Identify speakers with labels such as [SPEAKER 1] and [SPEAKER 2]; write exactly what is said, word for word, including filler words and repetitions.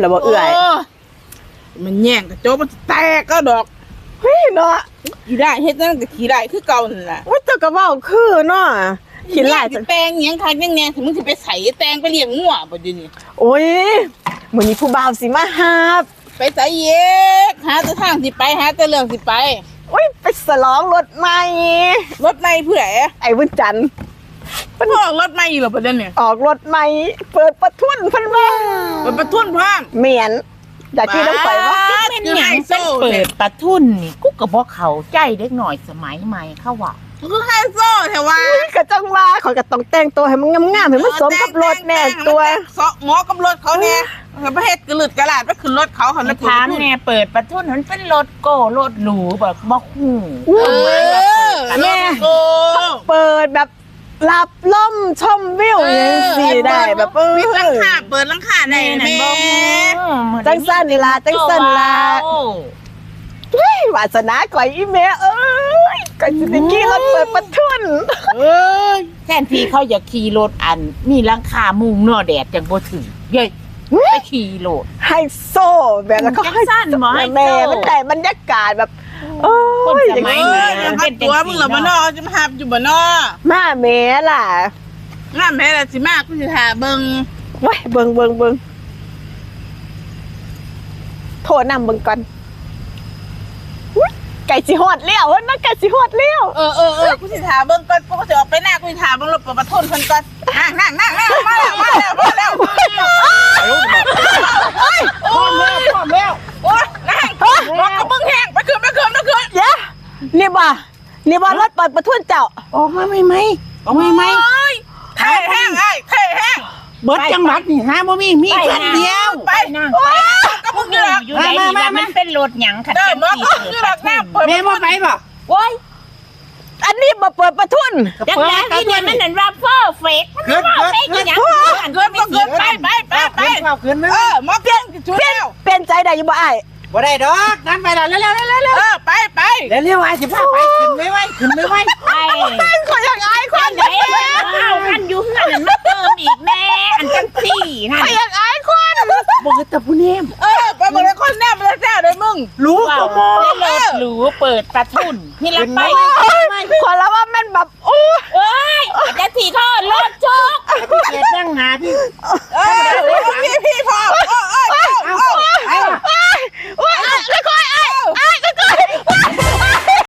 [SPEAKER 1] หรือบ่เอื่อย
[SPEAKER 2] มันแย่งกระโจกมันแตกก็ดอก
[SPEAKER 1] เฮ้ยเนาะ
[SPEAKER 2] ขี่ได้เฮ็ดนั่นก็ขี่ได้คือเก่านั่นแหละ
[SPEAKER 1] ว่าเจ้าก็เว้าคือเนาะขี่ไล่
[SPEAKER 2] แตงหยังคักยังแน่ถึงมึงสิไปใส่แตงไปเลี้ยงงัวบ่อยู่นี่
[SPEAKER 1] โอ้ยมื้อนี้ผู้บ่าวสิมาหา
[SPEAKER 2] ไปใส่เยกหาแต่ทางสิไปหาแต่เรื่องสิไป
[SPEAKER 1] โอ้ยไปฉลองรถใหม่
[SPEAKER 2] รถใหม่เพื่อ
[SPEAKER 1] ไอ้บุญจันทร์
[SPEAKER 2] เพิ่นออกรถใหม่อยู่เหรอประเด็นเนี่ย
[SPEAKER 1] ออกรถใหม่เปิดประทุนเพิ่นว่า
[SPEAKER 2] เปิดประทุนพร้อม
[SPEAKER 1] เหมียนอยากที่ต้องไปว่า
[SPEAKER 3] เป็นหยังเป็นเปิดประทุนนี่กูก็บ่เข้าใจเด็กหน่อยสมัยใหม่เขาว่า
[SPEAKER 2] คือไฮโซแท้ว่า
[SPEAKER 1] ก็จังว่าเขาก็ต้องแต่งตัวให้มันงามๆให้มันสมกับรถแน่ตัว
[SPEAKER 2] หมอกับรถเขาเนี่ยประเภทกระหลุดกระลาดไปขึ้นรถเขาเขาแล้ว
[SPEAKER 3] ถามแน่เปิดประทุนมันเป็นรถโก้รถหรูแบบบ่ฮู้
[SPEAKER 2] เออแม่
[SPEAKER 1] เปิดแบบรับลมชมวิวอย่างสิได้แบบเออ
[SPEAKER 2] มีหลังคาเปิดหลังคาได้แม่
[SPEAKER 1] จังซั่นล่ะจังซั่นล่ะเฮ้ยวาสนาก่อยอีแม่เอ้ยก่อยสิได้ขี่รถเปิดประทุน
[SPEAKER 3] เอ้ยแทนที่เขาอยากขี่รถอันมีหลังคามุงเนาะแดดจังบ่ถึงเย้ยไปขี่รถ
[SPEAKER 1] ไฮโซแบบแล้วก็
[SPEAKER 3] ให้สั้นบ่ให้
[SPEAKER 1] แม่มันได้บรรยากาศแบบโอ้ย
[SPEAKER 2] สมัยนี้เป็นตัวมึงเหรอบ่เนาะจะมาหาอยู่บ่เนาะ
[SPEAKER 1] มาแม่ล่ะ
[SPEAKER 2] มาแม่ล่ะสิมากูสิท่าเบิ่ง
[SPEAKER 1] ว้ยเบิ่งเบิ่งเบิ่งโทรนำเบิ่งก่อนไก่สิฮอดแล้วนะไก่สิฮอดแล้ว
[SPEAKER 2] เออเออเออกูสิท่าเบิ่งก่อนกูก็สิออกไปหน้ากูสิท่าเบิ่งรถประทุนเพิ่นก่อนนั่งนั่งนั่งนั่งมาแล้วมาแล้วมาแล้วมาแล้วเฮ้ยพร้อมแล้วพร้อมแล้วโอ้ยนั่งรถกับมึงแห้งไปคืนไปคืนไปคืน
[SPEAKER 1] เย้นี่บ่นี่บ่รถเปิดประทุนเจ้า
[SPEAKER 3] ออกมาไหมไหมออกมาไหม
[SPEAKER 2] เท่แห้งไอ้เท่แห้ง
[SPEAKER 3] เบิดจังหวัดนี่ฮะบ่มีมีแค่เดียว
[SPEAKER 2] ไปนั่งก็มึงอยู่
[SPEAKER 3] อยู่ไหนนี่ว่ามันเป็นรถหยังคันที่เปิด
[SPEAKER 2] แม่บ่ไปบ่
[SPEAKER 3] โอ้ย
[SPEAKER 1] อันนี้มาเปิดประทุน
[SPEAKER 3] จังได๋ที่เนี่ยมันนั่นว่าเพอร์เฟคมันว่าเฟคหยัง
[SPEAKER 2] เกินบ่เกินไปไปไปไปเออมาเปลี่ยนชุดแล้ว
[SPEAKER 1] เปลี่ยนใจได้อยู่บ่อ้าย
[SPEAKER 3] บ่ได้ดอกนั่นไปแล้วเร็วๆๆๆ
[SPEAKER 2] เออไปไป
[SPEAKER 3] เร็วๆอ้ายสิพาไปขึ้นไม่ไหวขึ้นไม่ไหว
[SPEAKER 1] ไปขออยากอายคน
[SPEAKER 3] เด้อ้าวอันอยู่เฮือนมาเติมอีกแม่อันจังซี่นั่น
[SPEAKER 1] ขออยากอายคน
[SPEAKER 3] บ่ตะผู้เนม
[SPEAKER 2] เออไปบ่ได้คนแนมแล้วแซ่เด้มึง
[SPEAKER 3] รู้ก็บ่รถหรูเปิดประทุนนี่ละไป
[SPEAKER 1] ขอแล้วว่ามันแบบโอ้
[SPEAKER 3] เอ้ยจะสิทอดรถโชคพี่เกียรตินั่งหาพี่
[SPEAKER 2] เออพี่พี่พอ